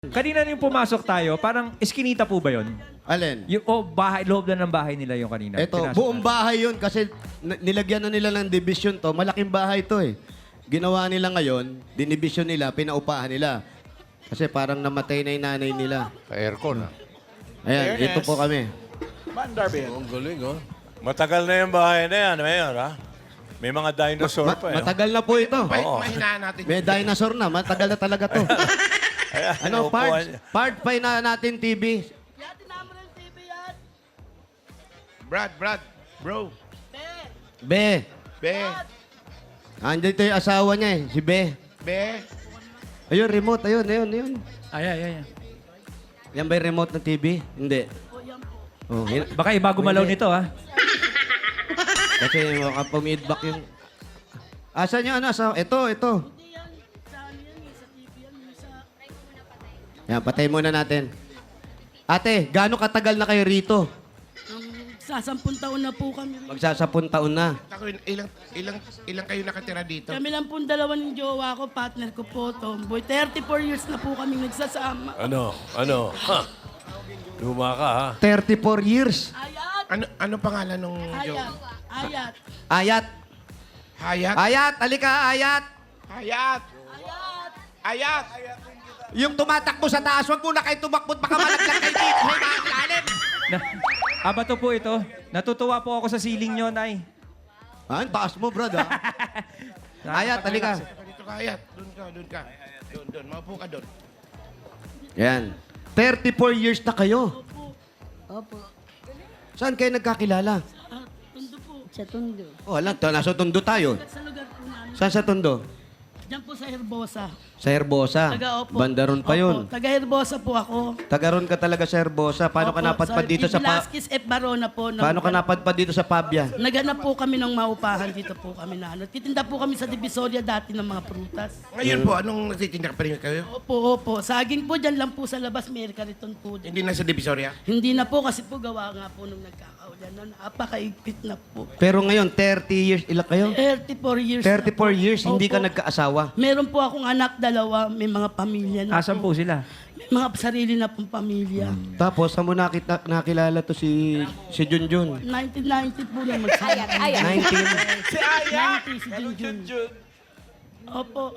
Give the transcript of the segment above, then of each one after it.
Kanina yung pumasok tayo, parang eskinita po ba yun? Alin? Yung, bahay, loob na ng bahay nila yung kanina. Ito, Pinasok buong natin. bahay yun kasi nilagyan na nila ng division to. Malaking bahay to eh. Ginawa nila ngayon, dinivision nila, pinaupahan nila. Kasi parang namatay na yung nanay nila. Aircon, ah. Ayan, ito po kami. Ang galing, oh. Matagal na yung bahay na yan, Mayor, ha? May mga dinosaur pa, eh. Matagal na po ito. Mahinaan natin. May dinosaur na, matagal na talaga to. Ayan, Ano, upuan niya. part pa na natin TV. Brad, bro. Be, Be, andito yung asawa niya eh, si Be. be. Ayun, remote, ayun. Ay. Yan ba yung remote ng TV? Hindi. Oh, Baka iba gumalaw nito, ha? kasi makapumidback yung... Asan yung ano? Ito. Yan, patay muna natin. Ate, gaano katagal na kayo rito? Sasampung taon na po kami. Magsasapun taon na. Ako, ilang kayo nakatira dito? Kami lang pong dalawa ng jowa ko, partner ko po, Tomboy. 34 years na po kami nagsasama. Ano? Ha? Luma ka, ha? 34 years. Ayat! Ano pangalan nung Ayat! Ayat! Ayat. Hayat? Ayat, alika, Ayat. Hayat! Hayat! Yung tumatakbo sa taas, wag muna kayo tumakbo, baka malaglag kayo dito. May makakalalim. Bato po ito. Natutuwa po ako sa ceiling nyo, Nay. Ah, ang taas mo, brad, ha? Ayat, alika. Dito ka, Hayat. Doon ka. Doon. Maupo ka doon. Yan. 34 years na kayo. Opo. Saan kayo nagkakilala? Tundo po. Sa Tondo. Oh, alam, nasa Tondo tayo. Sa lugar po namin. Saan sa Tondo? Diyan po sa Herbosa. Sa Herbosa. Opo. Bandaron pa yun. Opo. Taga Herbosa po ako. Tagaron ka talaga sa Herbosa. Paano ka Opo, napadpad dito sa Velasquez F. Barona po. Paano ka napadpad dito sa Pabia? Naghanap po kami ng maupahan dito po kami na ano. Titinda po kami sa Divisoria dati ng mga prutas. Ngayon po, anong nagtitinda pa rin kayo? Opo. Saging po dyan lang po sa labas. May kariton po dyan. Hindi na sa Divisoria? Hindi na po kasi po gawa nga po nung nagkakaulan. No, napakaigpit na po. Pero ngayon, 30 years, ilan kayo? 34 years 34 na po. years, hindi ka Opo. nagkaasawa. Meron po akong anak, dalawa. May mga pamilya na Asan po sila? May mga sarili na pong pamilya. Tapos, saan mo nakilala to si Junjun? 1990 po na magsama. 19. Si Ayat! 90 si Junjun. Opo.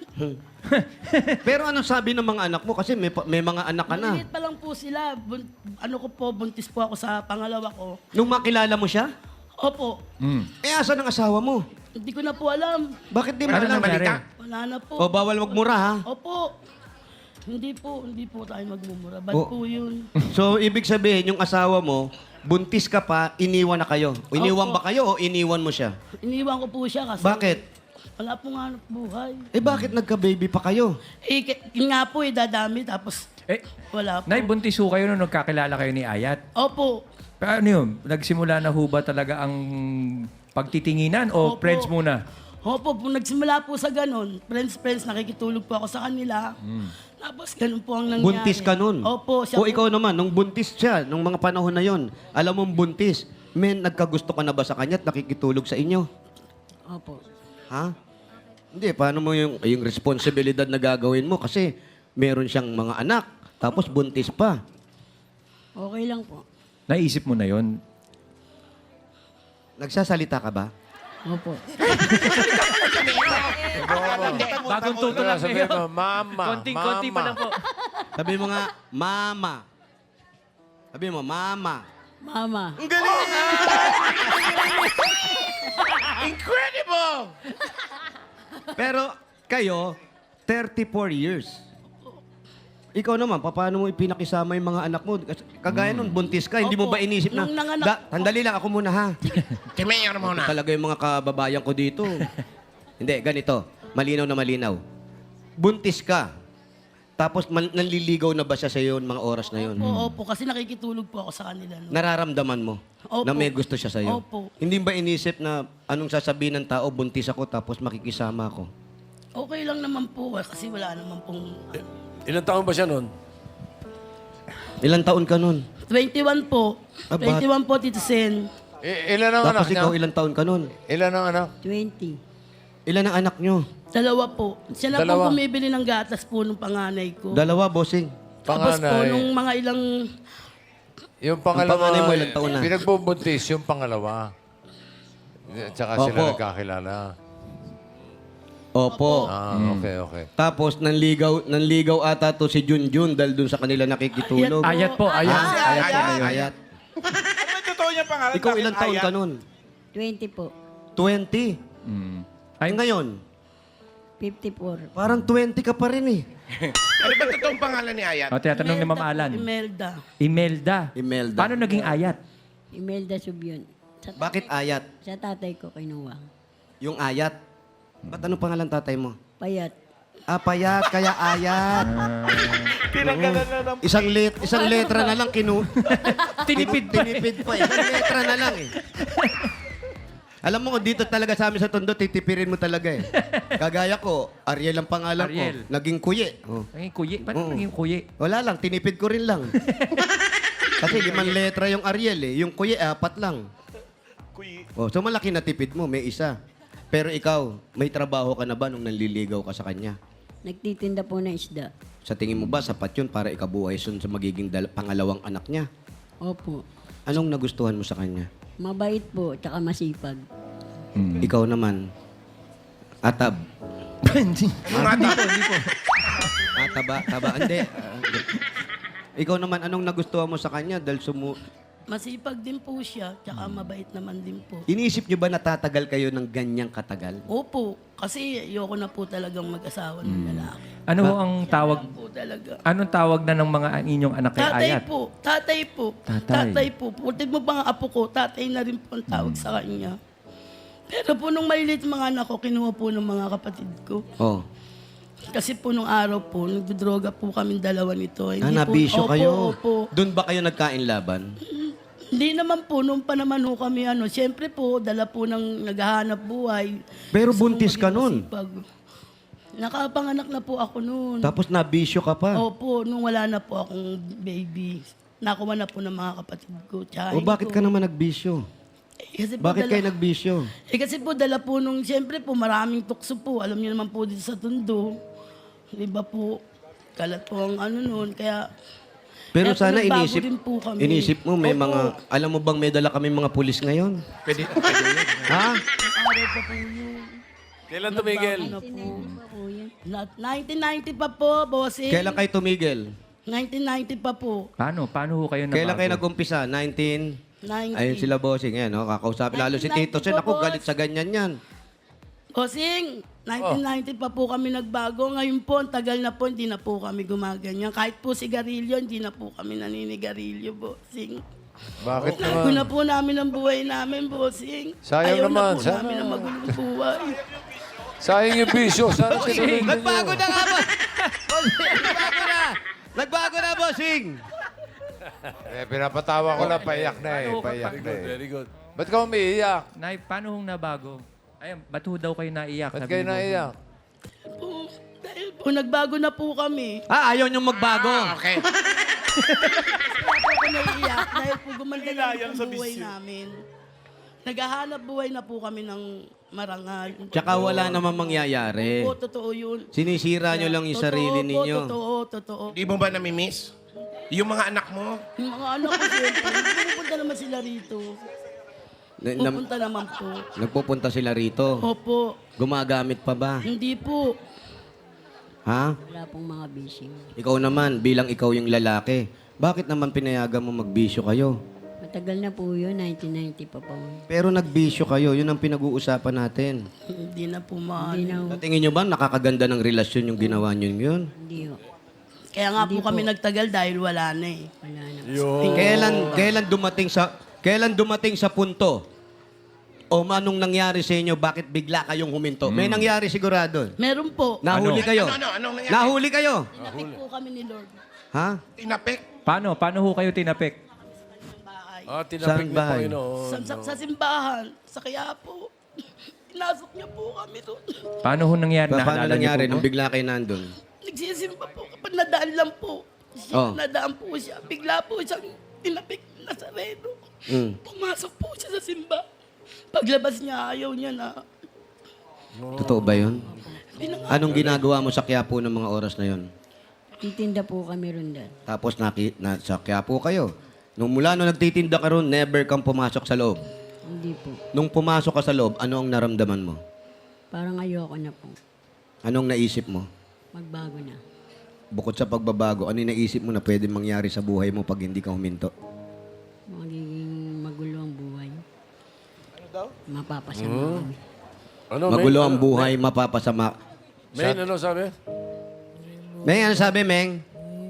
Pero anong sabi ng mga anak mo? Kasi may mga anak ka na. Maliit pa lang po sila. Ano ko po, buntis po ako sa pangalawa ko. Nung makilala mo siya, Opo. asan ang asawa mo? Hindi ko na po alam. Bakit di mo Ano alam? na balita? Wala na po. O bawal magmura, ha? Opo. Hindi po tayo magmumura. Ba't Oh. po yun? So, ibig sabihin, yung asawa mo, buntis ka pa, iniwan na kayo. Iniwan Opo. ba kayo o iniwan mo siya? Iniwan ko po siya kasi... Bakit? Wala pong hanap buhay. Bakit nagka-baby pa kayo? Yun nga po dadami tapos wala po. Nay, buntis ho kayo nung nagkakilala kayo ni Ayat. Opo. Pero ano yun? Nagsimula na ho ba talaga ang pagtitinginan o Opo. friends muna? Opo, nagsimula po sa ganun. Friends, nakikitulog po ako sa kanila. Tapos ganun po ang nangyari. Buntis ka nun? Opo. O ikaw naman, nung buntis siya, nung mga panahon na yon, alam mong buntis, nagkagusto ka na ba sa kanya at nakikitulog sa inyo? Opo. Ha? Hindi, paano mo yung responsibilidad na gagawin mo? Kasi meron siyang mga anak, tapos buntis pa. Okay lang po. Naisip mo na yon. Nagsasalita ka ba? Opo. Bagong tuto lang Sabihin kayo. mo, mama. Konting-konti pa lang po. Sabi mo nga, mama. Sabi mo, mama. Mama. Ang galing! Incredible! Pero kayo, 34 years. Ikaw naman, paano mo ipinakisama yung mga anak mo? Kagaya nun, buntis ka, hindi mo Opo. ba inisip na, Nung nanganak- Sandali lang, ako muna ha. Si Mayor muna. Talaga yung mga kababayan ko dito. Hindi, ganito. Malinaw na malinaw. Buntis ka. Tapos nanliligaw na ba siya sa iyo mga oras na yun? Opo, kasi nakikitulog po ako sa kanila. No? Nararamdaman mo Opo. na may gusto siya sa iyo? Opo. Hindi ba inisip na anong sasabihin ng tao, buntis ako tapos makikisama ako? Okay lang naman po kasi wala naman pong... Ilang taon ba siya nun? Ilang taon ka nun? 21 po. Ah, 21 po, Tito Sen. Ilan ang anak Tapos niya? ikaw ilang taon ka nun? Ilan ang anak? 20. Ilan ang anak nyo? Dalawa po. Siya na Dalawa? po bumibili ng gatas po nung panganay ko. Dalawa, bossing. Tapos po, Panganay. nung mga ilang... Yung panganay pangalawa, mo, ilang taon na? pinagbubuntis yung pangalawa. At saka sila Opo. nagkakilala. Opo. Okay. Tapos, nanligaw ata to si Junjun dahil dun sa kanila nakikitulog. Ayat po, ayat. Ayat po kayo. Ayat. Ano yung totoo niyang pangalan? Ikaw Bakit ilang taon Ayat? ka nun? 20 po. 20. Ay, ngayon, 54. parang 20 ka pa rin eh. Ano ba totoong pangalan ni Ayat? O, tinatanong ni Ma'am Imelda po, Alan. Imelda. Imelda. Imelda. Paano naging ayat? Imelda Subion. Bakit ayat? Sa tatay ko kinuha. Yung ayat. Ba't anong pangalan tatay mo? Payat. Ah, payat, kaya ayat. Tinanggalan na ng... Isang letra na lang Tinipid pa. Tinipid pa. Isang letra na lang eh. Alam mo, dito talaga sa amin sa Tondo, titipirin mo talaga eh. Kagaya ko, Ariel ang pangalan Ariel. ko. Naging kuye. Oh. Naging kuyi. Paano Oo. naging kuyi? Wala lang, tinipid ko rin lang. Kasi 5 letra yung Ariel eh. Yung kuye, 4 lang. Kuy. Oh, so malaki na tipid mo, may isa. Pero ikaw, may trabaho ka na ba nung nanliligaw ka sa kanya? Nagtitinda po ng isda. Sa tingin mo ba, sapat yun para ikabuhay sun sa magiging pangalawang anak niya? Opo. Anong nagustuhan mo sa kanya? Mabait po, tsaka masipag. Ikaw naman, atab. Hindi po. Taba. Hindi. Ikaw naman, anong nagustuhan mo sa kanya? Dahil Masipag din po siya, tsaka mabait naman din po. Iniisip niyo ba natatagal kayo ng ganyang katagal? Opo, kasi ayoko na po talagang mag-asawa ng lalaki. Ano ho ang tawag? Po talaga. Anong tawag na ng mga inyong anak kay Tatay ayat? po, tatay po. Tatay. Tatay po. Putid mo ba nga apo ko, tatay na rin po ang tawag sa kanya. Pero po nung malilit mga anak ko, kinuha po ng mga kapatid ko. Oh. Kasi po nung araw po, nagdodroga po kami dalawa nito. Nabisyo Opo, kayo. Opo. Doon ba kayo nagkain laban? Hindi naman po, nung pa naman ho kami, siyempre po, dala po ng naghahanap buhay. Pero Gusto buntis kong ka maging nun. masipag. Nakapanganak na po ako noon. Tapos nabisyo ka pa. Opo, nung wala na po akong baby, nakuha na po ng mga kapatid ko. O bakit ka naman nagbisyo? Kasi po Bakit kayo nagbisyo? kasi po dala po nung, siyempre po, maraming tukso po. Alam niyo naman po dito sa Tondo. Di ba po, kalat po ang noon. Kaya, Pero kaya po sana nagbago din po kami. inisip mo may Opo. mga, alam mo bang may dala kami mga pulis ngayon? Pwede Ha? Araw pa po yun. Kailan tumigil? Ano po? Pa po yun. 1990 pa po, bossing. Kailan kayo tumigil? 1990 pa po. Paano ho kayo nabago? Kailan kayo nag-umpisa? 19? 90. Ayun sila bossing. Ayan, no? Kakausapin. Lalo si 1990 Tito Sen. po, Ako, boss. galit sa ganyan yan. Bossing, 1990 pa po kami nagbago. Ngayon po, ang tagal na po, hindi na po kami gumaganyan. Kahit po sigarilyo, hindi na po kami naninigarilyo, bossing. Bakit Nago naman? na po namin ang buhay namin, bossing. Sayang Ayaw naman, na po sana. namin ang magulong buhay. Sayang yung bisyo. Sana sinunod Nagbago ninyo. na nga, boss! Nagbago na! Nagbago na, bossing! Pinapatawa ko lang. Paiyak na eh. Paiyak na eh. Very good. Ba't ka umiiyak? Nay, paano hong nabago? Ayun, ba't ho daw kayo naiyak? Ba't Sabi kayo ni Bossing. naiyak? Po, dahil po, nagbago na po kami. Ayaw niyong magbago. Okay. Kaya po ako naiiyak dahil po gumanda na Nilayang po sa ang buhay bisyo. namin. Naghahanap buhay na po kami ng marangal. Tsaka wala namang mangyayari. Oo, totoo yun. Sinisira niyo lang yung Totoo sarili po, ninyo. Totoo. Di mo ba namimiss? Yung mga anak mo? Yung mga anak ko, siyempre, pupunta naman sila rito. Pupunta naman po. Nagpupunta sila rito. Opo, Gumagamit pa ba? hindi po. Ha? Wala pong mga bising. Ikaw naman, bilang ikaw yung lalaki, bakit naman pinayagan mo magbisyo kayo? Matagal na po yun, 1990 pa po. Pero nagbisyo kayo, yun ang pinag-uusapan natin. Hindi na po Hindi maano. na, Sa tingin nyo ba nakakaganda ng relasyon yung ginawa nyo yun? hindi ho. Kaya nga po Hindi kami po. nagtagal dahil wala na eh. Wala na. Kailan dumating sa punto? O anong nangyari sa inyo? Bakit bigla kayong huminto? May nangyari sigurado. Meron po. Nahuli kayo. Anong nangyari? Nahuli kayo. Tinapik po kami ni Lord. Ha? Tinapik? Paano ho kayo tinapik? Bahay. Tinapik Saan ng bahay? Panginoon. Sa simbahan, sa Quiapo. Pinasok niya po kami doon. Paano ho nangyari? Paano Naalala niyo nangyari po nung ba? bigla kayo nandun? Nagsisimba po kapag nadaan lang po. Oh. Nadaan po siya. Bigla po siyang tinapik na sareno. Mm. Pumasok po siya sa simba. Paglabas niya, ayaw niya na. Totoo ba yun? Anong ginagawa mo sa Quiapo ng mga oras na yon? Titinda po kami ron dyan. Tapos sa Quiapo kayo. Nung nagtitinda ka ron, never kang pumasok sa loob. Hindi po. Nung pumasok ka sa loob, ano ang naramdaman mo? Parang ayoko na po. Anong naisip mo? Magbago na. Bukod sa pagbabago, ano yung naisip mo na pwede mangyari sa buhay mo pag hindi ka huminto? Magiging magulo ang buhay. Ano daw? Mapapasama kami. Ano, Magulo ang buhay, mapapasama. Main, ano sabi? Meng, ano sabi, Meng?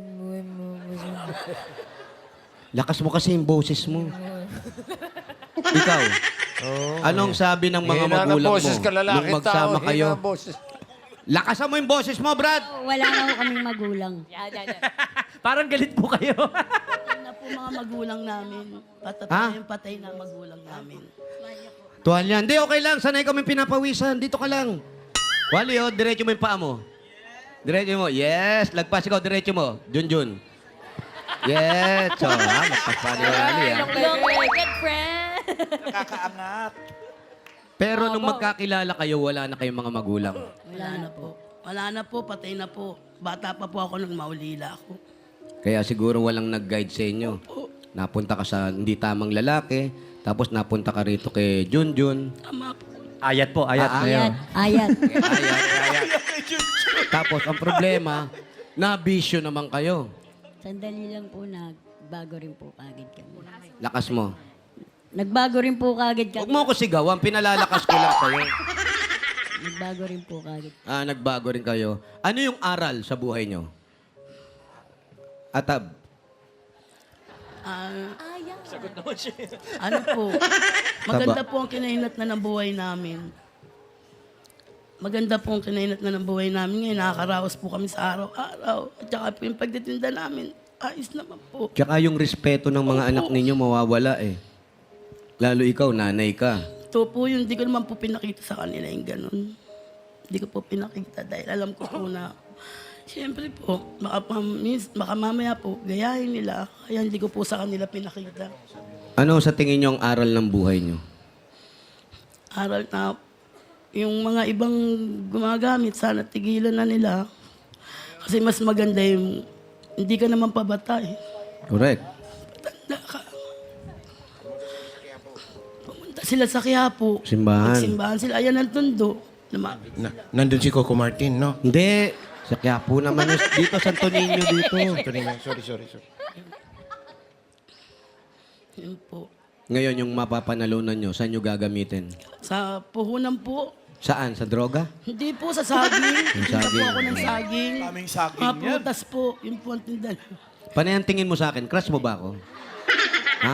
Lakas mo kasi yung boses mo. Ikaw, anong sabi ng mga Hina ng magulang mo boses ka, lalaki nung magsama tao, kayo? hina ng boses. Lakasan mo yung boses mo, Brad! Wala na po kaming magulang. Parang galit po kayo. Patay na po mga magulang namin. Patay na magulang namin. Tuwalya. Hindi, okay lang. Sanay kami pinapawisan. Dito ka lang. Wally, oh, diretso mo yung paa mo. Diretso mo. Yes. Lagpas ikaw, diretso mo. Junjun. Yes. So, magpas pa ni Wally, Good friend. Pero nung magkakilala kayo, wala na kayong mga magulang. Wala na po. Wala na po, patay na po. Bata pa po ako nung maulila ako. Kaya siguro walang nag-guide sa inyo. Napunta ka sa hindi tamang lalaki, tapos napunta ka rito kay Junjun. Tama po. Ayat po, ayat. Ayat, ayat. Ayat. Tapos ang problema, na-bisyo naman kayo. Sandali lang po, nagbago rin po kagad kami. Lakas mo. Nagbago rin po kagad Huwag kami. mo ako sigawan, pinalalakas ko lang sa'yo. Nagbago rin po kagad. Nagbago rin kayo. Ano yung aral sa buhay nyo? Atab. Ano po, maganda po ang kinahinat na ng buhay namin. Maganda po ang kinahinat na ng buhay namin. Ngayon, nakakaraos po kami sa araw-araw. At saka po yung pagtitinda namin, ayos naman po. Tsaka yung respeto ng mga anak ninyo mawawala eh. Lalo ikaw, nanay ka. Ito po yun, hindi ko naman po pinakita sa kanila yung ganun. Hindi ko po pinakita dahil alam ko po na, siyempre po, baka mamaya po, gayahin nila. Kaya hindi ko po sa kanila pinakita. Ano sa tingin nyo ang aral ng buhay nyo? Aral na, yung mga ibang gumagamit, sana tigilan na nila. Kasi mas maganda yung, hindi ka naman pabata eh. Correct. Tanda ka. Pumunta sila sa Quiapo. Simbahan. Magsimbahan sila. Ayan ang tundo. Lumapit. Nandun si Coco Martin, no? Hindi. Sa Quiapo naman. Dito, Santo Niño dito. Sorry. Yun po. Ngayon, yung mapapanalunan nyo, saan nyo gagamitin? Sa puhunan po. Saan? Sa droga? Hindi po sa saging. Tinda po saging. ako ng saging. Kaming saging Mga yan. prutas po. Yun po ang tinda. Panay ang tingin mo sa akin, crush mo ba ako? Ha?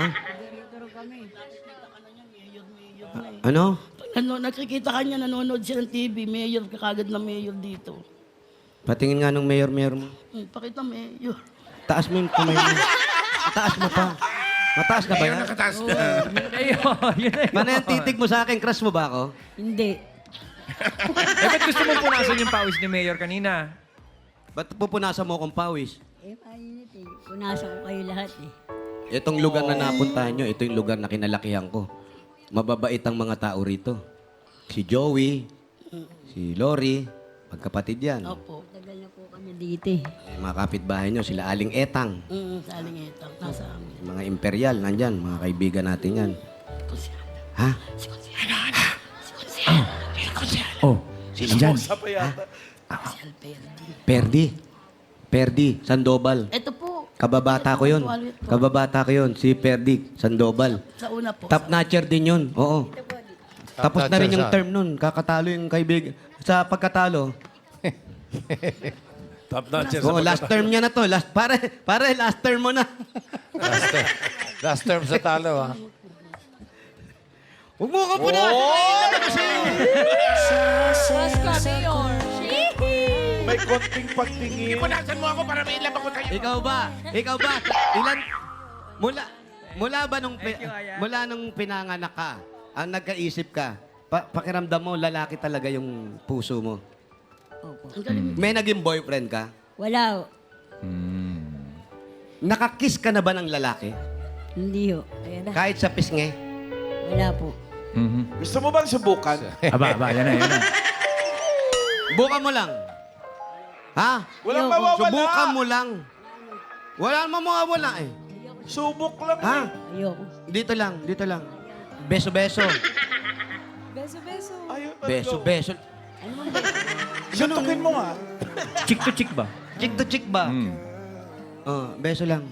Ano? Nakikita ka niya, nanonood siya ng TV. Mayor, kakagad na mayor dito. Patingin nga ng mayor-mayor mo. Pakita mayor. Taas mo yung kamay mo. Taas mo pa. Mataas ka ba yan? Nakataas na. Ayun, yun na yun. Panay ang titig mo sa akin, crush mo ba ako? Hindi. Eh, ba't gusto mong punasan yung pawis ni Mayor kanina? Ba't pupunasan mo akong pawis? Mainit eh. Punasan ko kayo lahat eh. Itong lugar na napuntahan nyo, ito yung lugar na kinalakihan ko. Mababait ang mga tao rito. Si Joey, si Lori, magkapatid yan. Opo. Tagal na po kami dito eh. Eh, mga kapitbahay nyo, sila Aling Etang. Sa Alingitang. Nasa amin. Mga imperial, nandyan, mga kaibigan natin yan. Ha? Oh, andyan. Sa pa yata. Perdi, Sandoval. Ito po. Kababata ko yun. Kababata ko yun, si Perdi, Sandoval. Sa una po. Top notcher din yun, oo. Tapos na rin yung saan? term nun. Kakatalo yung kaibigan. Sa pagkatalo. Top notcher Oo, last term niya na to. Pare, last term mo na. Last term sa talo, ha? Huwag mo ka po na. May konting pagtingin. Punasan mo ako para may ilab ako tayo. Ikaw ba? Ilan? Mula ba mula nung pinanganak ka, ang nagkaisip ka, pakiramdam mo, lalaki talaga yung puso mo. Opo. May naging boyfriend ka? Wala ho. Nakakiss ka na ba ng lalaki? Hindi ho. Kahit sa pisngi? Wala po. Gusto mo bang subukan? Aba, yan na, yan na. Bukan mo lang. Ha? Walang Ayoko. mawawala. Subukan mo lang. Wala namang mawawala eh. Subok lang. Ha? Ayoko. Dito lang, dito lang. Beso-beso. Beso-beso. Ayun, Beso-beso. Suntukin mo nga. Chick to chick ba? Chick to chick ba? Oh, beso lang.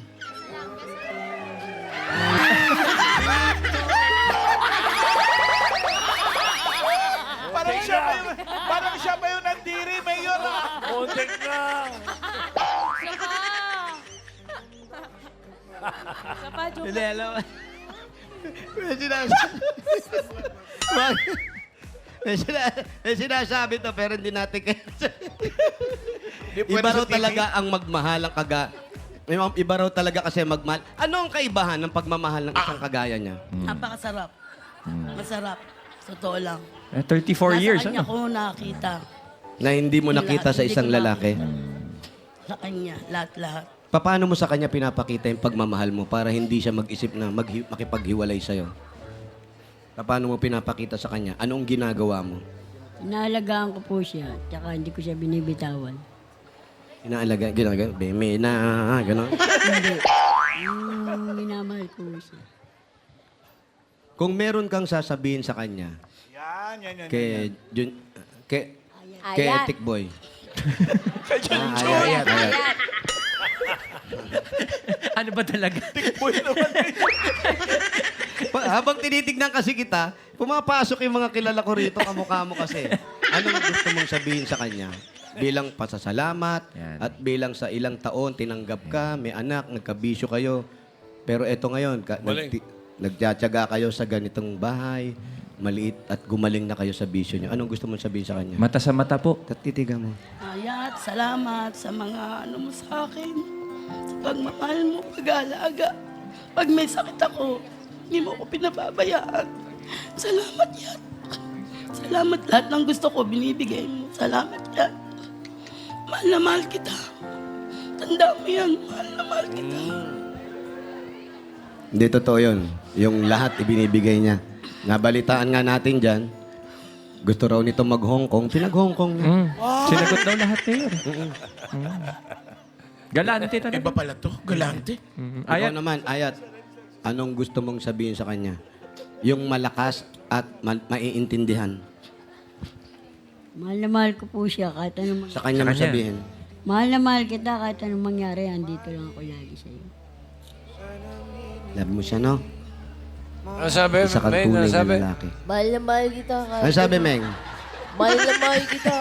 Parang siya pa yung nandiri, Mayor. Kontek lang. Siya pa, joke. Hindi, alam mo. May sinasabi. May sinasabi to, pero hindi natin kaya. Iba raw talaga ang magmahal ang Iba raw talaga kasi magmahal. Ano ang kaibahan ng pagmamahal ng isang kagaya niya? Napakasarap. Masarap. Totoo lang. 34 years, Nasa kanya ano? ko nakita. Na hindi mo nakita sa isang lalaki. Sa kanya, lahat-lahat. Paano mo sa kanya pinapakita yung pagmamahal mo para hindi siya mag-isip na makipaghiwalay sa'yo? Paano mo pinapakita sa kanya? Anong ginagawa mo? Inaalagaan ko po siya, tsaka hindi ko siya binibitawan. Inaalaga, ginagawa, beme na, gano'n. Hindi. Minamahal ko siya. Kung meron kang sasabihin sa kanya, Yan. kay Ayat. Etik Boy. Ayat. Ano ba talaga? Habang tinitignan kasi kita, pumapasok yung mga kilala ko rito, kamukha mo kasi. Anong gusto mong sabihin sa kanya? Bilang pasasalamat Yan. at bilang sa ilang taon tinanggap ka, may anak, nagkabisyo kayo. Pero eto ngayon, nagtsatsaga kayo sa ganitong bahay, maliit at gumaling na kayo sa bisyo niyo. Anong gusto mong sabihin sa kanya? Mata sa mata po. Titigan mo. Ayat, salamat sa mga ano mo sa akin. Sa pagmamahal mo, pag-aalaga. Pag may sakit ako, hindi mo ako pinababayaan. Salamat yan. Salamat lahat ng gusto ko, binibigay mo. Salamat yan. Mahal na mahal kita. Tanda mo yan, mahal na mahal kita. Hindi totoo yun. Yung lahat ibinibigay niya. Nabalitaan nga natin dyan, gusto raw nito mag-Hong Kong, pinag-Hong Kong niya. Sinagot daw lahat kayo. Galante talaga. Iba pala to, galante. Ikaw Ayat. naman, Ayat, anong gusto mong sabihin sa kanya? Yung malakas at maiintindihan. Mahal na mahal ko po siya kahit anong Sa kanya Sa mo kanya. sabihin. Mahal na mahal kita kahit anong mangyari, andito lang ako lagi sa'yo. Love mo siya, no? Ano sabi, Isa kang Meng? tunay Ano na sabi? lalaki. Mahal na mahal kita. Ano sabi, Meng? Mahal na mahal kita.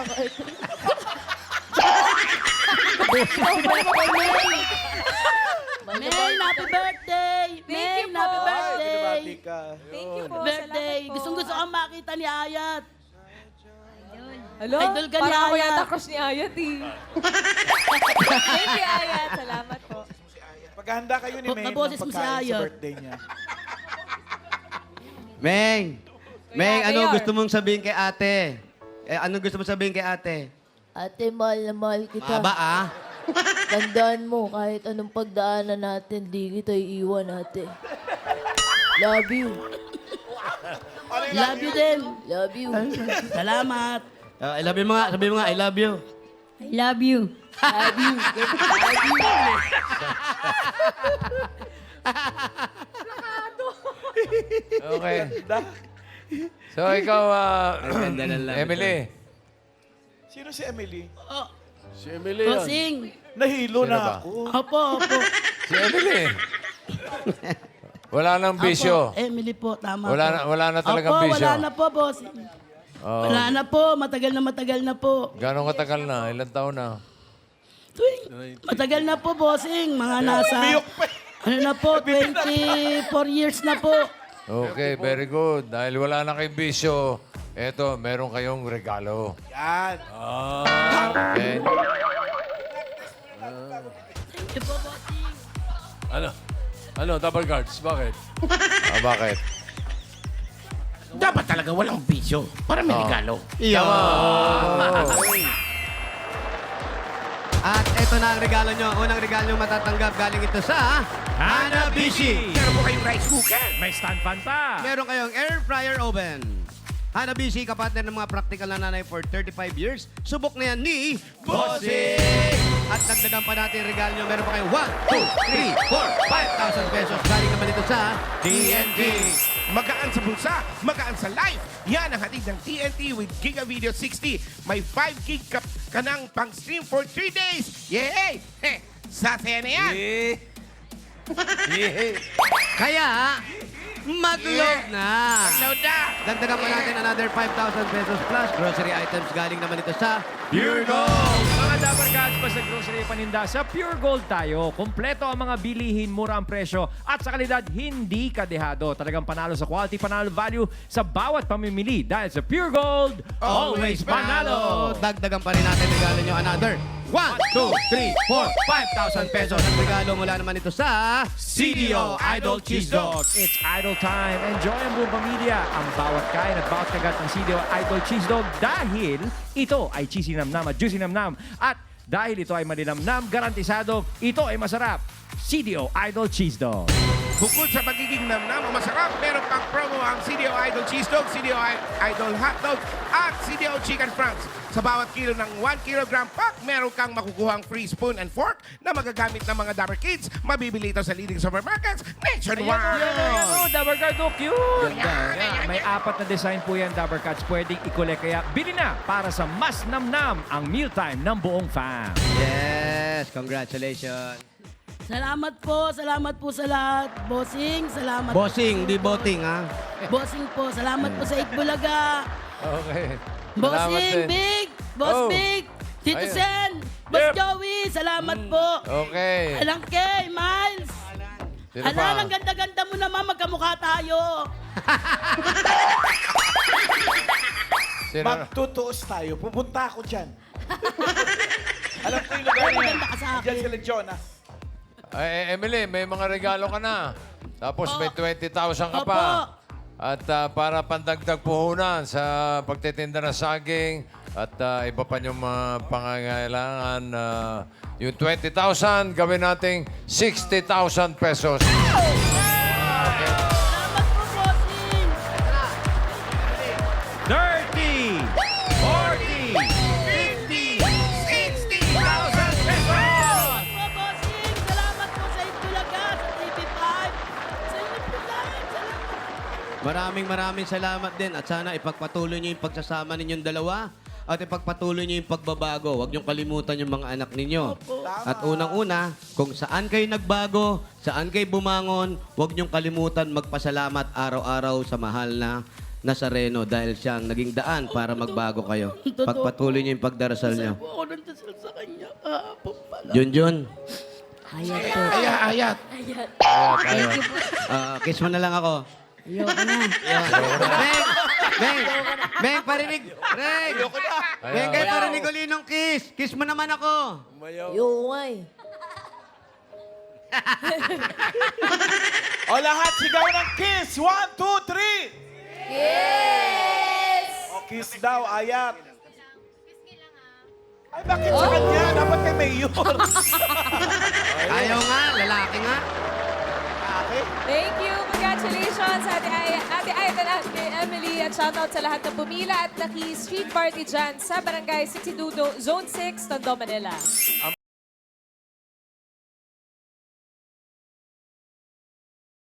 May, happy birthday! May, you po. happy birthday! Thank you po. Birthday! Salamat po. Gustong-gusto kang makita ni Ayat. Hello? Idol ka ni Parang ako Ayat. yata crush ni Ayat eh. Thank you, Ayat. Salamat po. Paghahanda kayo ni Huwag May na ng boses mo si pagkain sa Ayat. birthday niya. Meng! Meng, Ate ano Yor. gusto mong sabihin kay ate? Ano gusto mong sabihin kay ate? Ate, mahal na mahal kita. Maba, ah? Tandaan mo, kahit anong pagdaanan natin, di kita iiwan, ate. Love you. Love you din. Love you. Salamat. I love you mga. Sabi mo nga, I love you. I love you. Love you. Love you. Okay. So, ikaw, ganda ng love Emily. Sino si Emily? Si Emily yun. Bossing. Nahilo Sino na ba? ako. Opo, opo. Si Emily. Wala nang bisyo. Opo, Emily po, tama Wala na talagang Opo, bisyo. wala na po, bossing. Oh. Wala na po, matagal na po. Gano'ng katagal na? Ilang taon na? Matagal na po, bossing. Mga nasa, ano na po, 24 years na po. Okay, very good. Dahil wala na kayong bisyo, eto, meron kayong regalo. Yan. Okay? Thank you po, bossing. Ano, double guards? Bakit? Bakit? Dapat talaga walang bisyo para may regalo. At eto na ang regalo nyo. Unang regalo nyo matatanggap galing ito sa Hanabishi. Meron mo kayong rice cooker. May stand fan pa. Meron kayong air fryer oven. Hanabishi, kapatid ng mga practical na nanay for 35 years. Subok na yan ni Bossing! At dagdagan pa natin yung regalo nyo. Meron pa kayo 1, 2, 3, 4, 5,000 pesos. Galing naman ito sa TNT. Magaan sa bulsa, magaan sa life. Yan ang hatid ng TNT with Giga Video 60. May 5 gig ka ng pang-stream for 3 days. Yay! Heh, sasaya na yan. Kaya, mag-load na! Load na. Dagdagan pa natin another 5,000 pesos plus grocery items. Galing naman ito sa Pure Gold! Mga Dabber Cats, basta grocery paninda, sa Pure Gold tayo. Kompleto ang mga bilihin, mura ang presyo, at sa kalidad, hindi kadehado. Talagang panalo sa quality, panalo value sa bawat pamimili. Dahil sa Pure Gold, always panalo! Dagdagan pa rin natin regalo nyo another 1, 2, 3, 4, 5,000 pesos. At regalo mula naman ito sa CDO Idol Cheese Dog. It's idol time. Enjoy ang buong pamilya. Ang bawat kain at bawat kagat ng CDO Idol Cheese Dog dahil ito ay cheesy namnam at juicy namnam. At dahil ito ay malinamnam, garantisado, ito ay masarap. CDO Idol Cheese Dog. Bukod sa pagiging namnam o masarap, meron pang promo ang CDO Idol Cheese Dog, CDO Idol Hot Dog, at CDO Chicken Franks. Sa bawat kilo ng 1 kilogram pack, meron kang makukuhang free spoon and fork na magagamit ng mga Dabber Kids. Mabibili ito sa leading supermarkets nationwide. Ayan o, Dabber Card, oh, cute! Ganda. Ayan, may 4 na design po yan, Dabber Cats. Pwedeng i-collect, kaya bili na para sa mas namnam ang mealtime ng buong fam. Yes, congratulations. Salamat po sa lahat. Bossing, salamat. Bossing, di boting ha. Bossing po, salamat po sa Itbulaga. Okay. Bossing, Salamat din. Big, Boss Oh. Big, Tito Ayun. Sen, Boss Joey, salamat po. Okay. Alang kay, Miles. Sino Alan, pa? ang ganda-ganda mo naman, magkamukha tayo. Sino? Magtutuos tayo. Pupunta ako dyan. Alam ko yung lugar Ay, niya. maganda ka sa akin. Diyan sila Jonah. Ay, Emily, may mga regalo ka na. Tapos may 20,000 ka Opo. pa. At para pandagdag puhunan sa pagtitinda ng saging at iba pa yung mga pangangailangan. Yung 20,000, gawin nating 60,000 pesos. Salamat po, Bossing. 30, 40, 50, 60,000 pesos! Po, Bossing. Salamat po sa Itbulaga, sa TV5. Sa inyo po lahat. Salamat. Maraming salamat din at sana ipagpatuloy nyo yung pagsasama ninyong dalawa at ipagpatuloy nyo yung pagbabago. Huwag niyong kalimutan yung mga anak ninyo. At unang-una, kung saan kayo nagbago, saan kayo bumangon, huwag niyong kalimutan magpasalamat araw-araw sa mahal na Nazareno dahil siyang naging daan para magbago kayo. Pagpatuloy niyo yung pagdarasal niyo. Po ako nang dasal sa kanya. Kahapon pala. Junjun, Hayat po. Ayat. Thank you po. kiss mo na lang ako. Ayoko na. Beng, parinig. Beng, Beng, kayo parinig uli nung kiss. Kiss mo naman ako. Yung nga eh. O lahat, sigaw ng kiss. 1, 2, 3. Yes! O kiss daw, Ayat. Ay, bakit sa kanya? Dapat kay Mayor. Ayaw nga, lalaki nga. Thank you. Congratulations, Ate Aiden, Ate Emily. At shoutout sa lahat ng pumila at naki-street party dyan sa Barangay 62, Zone 6, Tondo, Manila.